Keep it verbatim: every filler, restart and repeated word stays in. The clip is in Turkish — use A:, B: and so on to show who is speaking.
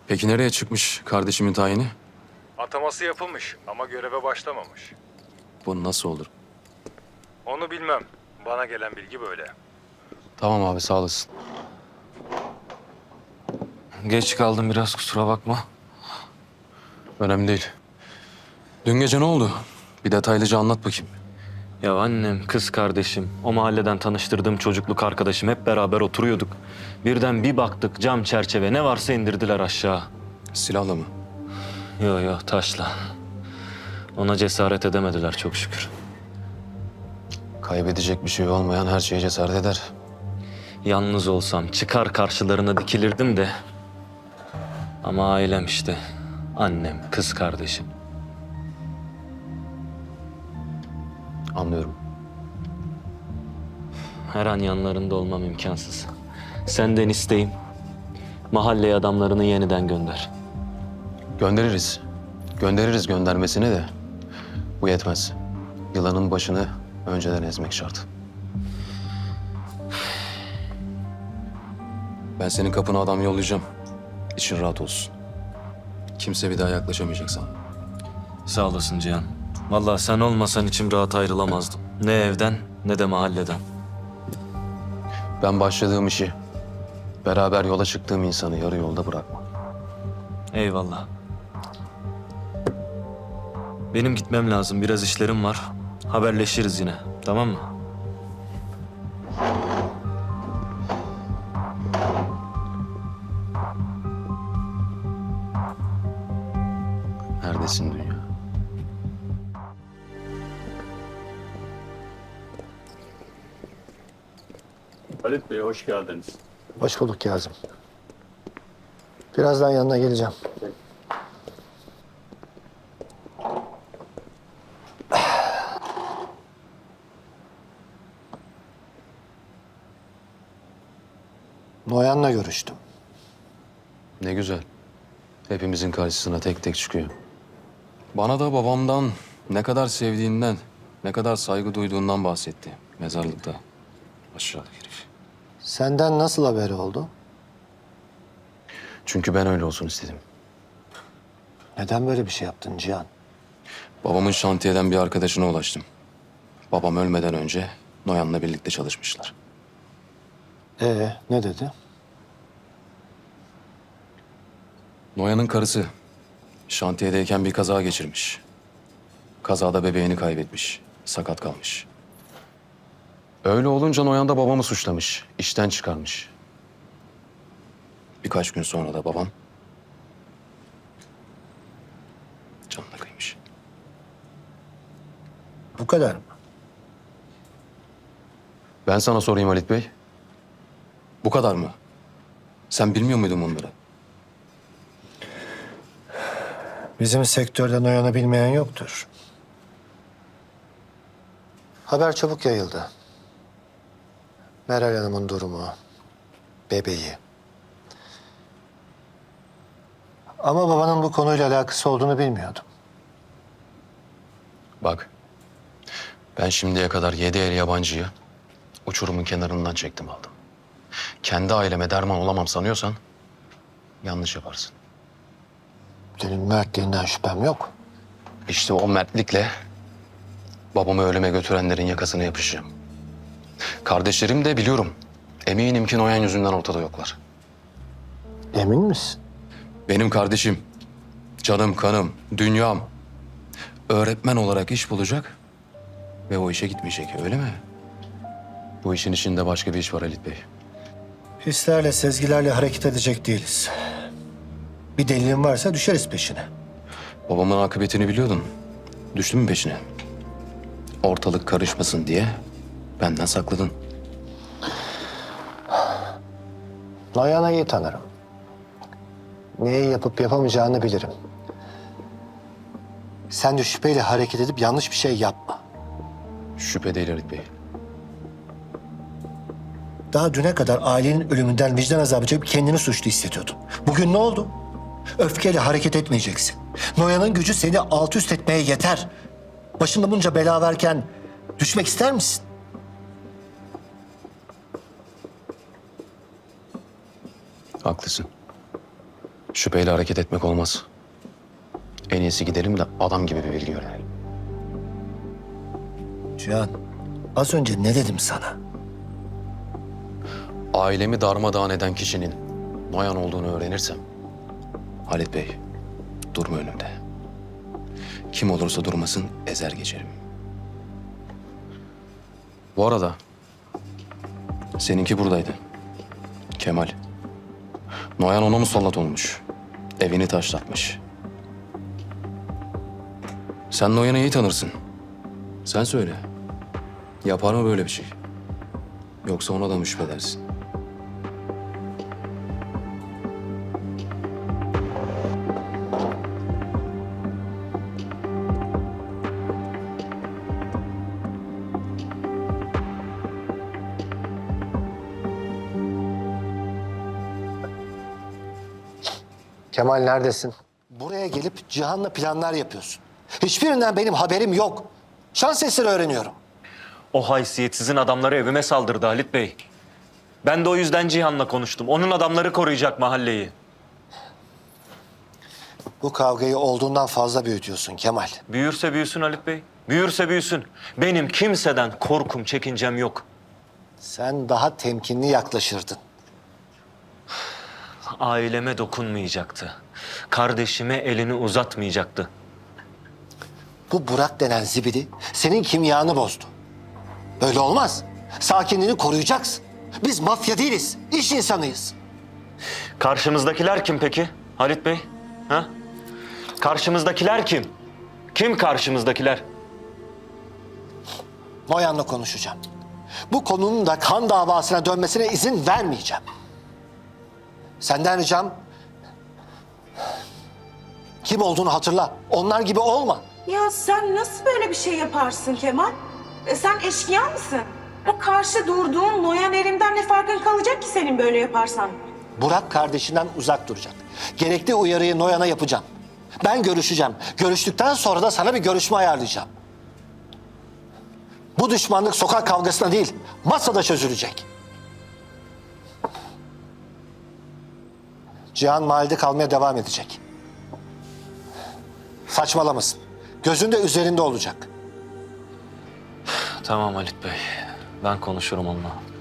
A: Peki nereye çıkmış kardeşimin tayini?
B: Ataması yapılmış ama göreve başlamamış.
A: Bu nasıl olur?
B: Onu bilmem. Bana gelen bilgi böyle.
A: Tamam abi, sağ olasın.
C: Geç kaldım biraz, kusura bakma.
A: Önemli değil. Dün gece ne oldu? Bir detaylıca anlat bakayım.
C: Ya annem, kız kardeşim, o mahalleden tanıştırdığım çocukluk arkadaşım hep beraber oturuyorduk. Birden bir baktık cam çerçeve ne varsa indirdiler aşağı.
A: Silahla mı?
C: Yo yo taşla. Ona cesaret edemediler çok şükür.
A: Kaybedecek bir şey olmayan her şeye cesaret eder.
C: Yalnız olsam çıkar karşılarına dikilirdim de. Ama ailem işte. Annem, kız kardeşim.
A: Anlıyorum.
C: Her an yanlarında olmam imkansız. Senden isteğim, mahalleye adamlarını yeniden gönder.
A: Göndeririz. Göndeririz göndermesini de. Bu yetmez. Yılanın başını önceden ezmek şart. Ben senin kapına adam yollayacağım. İçin rahat olsun. Kimse bir daha yaklaşamayacak sana.
C: Sağ olasın Cihan. Vallahi sen olmasan içim rahat ayrılamazdım. Ne evden ne de mahalleden.
A: Ben başladığım işi, beraber yola çıktığım insanı yarı yolda bırakmam.
C: Eyvallah. Benim gitmem lazım. Biraz işlerim var. Haberleşiriz yine. Tamam mı?
A: Neredesin dünya?
D: Halit Bey hoş geldiniz.
E: Hoş bulduk Kazım. Birazdan yanına geleceğim. Noyan'la görüştüm.
A: Ne güzel. Hepimizin karşısına tek tek çıkıyor. Bana da babamdan ne kadar sevdiğinden, ne kadar saygı duyduğundan bahsetti. Mezarlıkta. Aşağıdaki herif.
E: Senden nasıl haberi oldu?
A: Çünkü ben öyle olsun istedim.
E: Neden böyle bir şey yaptın Cihan?
A: Babamın şantiyeden bir arkadaşına ulaştım. Babam ölmeden önce Noyan'la birlikte çalışmışlar.
E: Ee, ne dedi?
A: Noyan'ın karısı şantiyedeyken bir kaza geçirmiş. Kazada bebeğini kaybetmiş. Sakat kalmış. Öyle olunca Noyan da babamı suçlamış. İşten çıkarmış. Birkaç gün sonra da babam canına kıymış.
E: Bu kadar mı?
A: Ben sana sorayım Halit Bey. Bu kadar mı? Sen bilmiyor muydun bunları?
E: Bizim sektörde Noyan'ı bilmeyen yoktur. Haber çabuk yayıldı. Meral Hanım'ın durumu, bebeği. Ama babanın bu konuyla alakası olduğunu bilmiyordum.
A: Bak. Ben şimdiye kadar yedi el yabancıyı uçurumun kenarından çektim aldım. Kendi aileme derman olamam sanıyorsan yanlış yaparsın.
E: Senin mertliğinden şüphem yok.
A: İşte o mertlikle babamı ölüme götürenlerin yakasına yapışacağım. Kardeşlerim de biliyorum. Eminim ki Noyan yüzünden ortada yoklar.
E: Emin misin?
A: Benim kardeşim, canım, kanım, dünyam öğretmen olarak iş bulacak ve o işe gitmeyecek, öyle mi? Bu işin içinde başka bir iş var Halit Bey.
E: Hislerle, sezgilerle hareket edecek değiliz. Bir delilin varsa düşeriz peşine.
A: Babamın akıbetini biliyordun. Düştün mü peşine? Ortalık karışmasın diye benden sakladın.
E: Noyan'ı iyi tanırım. Neyi yapıp yapamayacağını bilirim. Sen de şüpheyle hareket edip yanlış bir şey yapma.
A: Şüphe değil Halit Bey.
E: Daha düne kadar ailenin ölümünden vicdan azabı çekip kendini suçlu hissediyordun. Bugün ne oldu? Öfkeyle hareket etmeyeceksin. Noyan'ın gücü seni alt üst etmeye yeter. Başında bunca bela varken düşmek ister misin?
A: Haklısın. Şüpheyle hareket etmek olmaz. En iyisi gidelim de adam gibi bir bilgi öğrenelim.
E: Cihan, az önce ne dedim sana?
A: Ailemi darmadağın eden kişinin Noyan olduğunu öğrenirsem... Halit Bey, durma önümde. Kim olursa durmasın ezer geçerim. Bu arada seninki buradaydı. Kemal. Noyan ona musallat olmuş. Evini taşlatmış. Sen Noyan'ı iyi tanırsın. Sen söyle. Yapar mı böyle bir şey? Yoksa ona da mı şüphedersin?
E: Kemal neredesin? Buraya gelip Cihan'la planlar yapıyorsun. Hiçbirinden benim haberim yok. Şans eseri öğreniyorum.
C: O haysiyetsizin adamları evime saldırdı Halit Bey. Ben de o yüzden Cihan'la konuştum. Onun adamları koruyacak mahalleyi.
E: Bu kavgayı olduğundan fazla büyütüyorsun Kemal.
C: Büyürse büyüsün Halit Bey. Büyürse büyüsün. Benim kimseden korkum, çekincem yok.
E: Sen daha temkinli yaklaşırdın.
C: Aileme dokunmayacaktı. Kardeşime elini uzatmayacaktı.
E: Bu Burak denen zibidi senin kimyanı bozdu. Böyle olmaz. Sakinliğini koruyacaksın. Biz mafya değiliz, iş insanıyız.
C: Karşımızdakiler kim peki Halit Bey? Ha? Karşımızdakiler kim? Kim karşımızdakiler?
E: Noyan'la konuşacağım. Bu konunun da kan davasına dönmesine izin vermeyeceğim. Senden ricam kim olduğunu hatırla. Onlar gibi olma.
F: Ya sen nasıl böyle bir şey yaparsın Kemal? E sen eşkıya mısın? O karşı durduğun Noyan Erim'den ne farkın kalacak ki senin böyle yaparsan?
E: Burak kardeşinden uzak duracak. Gerekli uyarıyı Noyan'a yapacağım. Ben görüşeceğim. Görüştükten sonra da sana bir görüşme ayarlayacağım. Bu düşmanlık sokak kavgasına değil, masada çözülecek. Cihan mahallede kalmaya devam edecek. Saçmalamasın. Gözünde üzerinde olacak.
C: Tamam Halit Bey. Ben konuşurum onunla.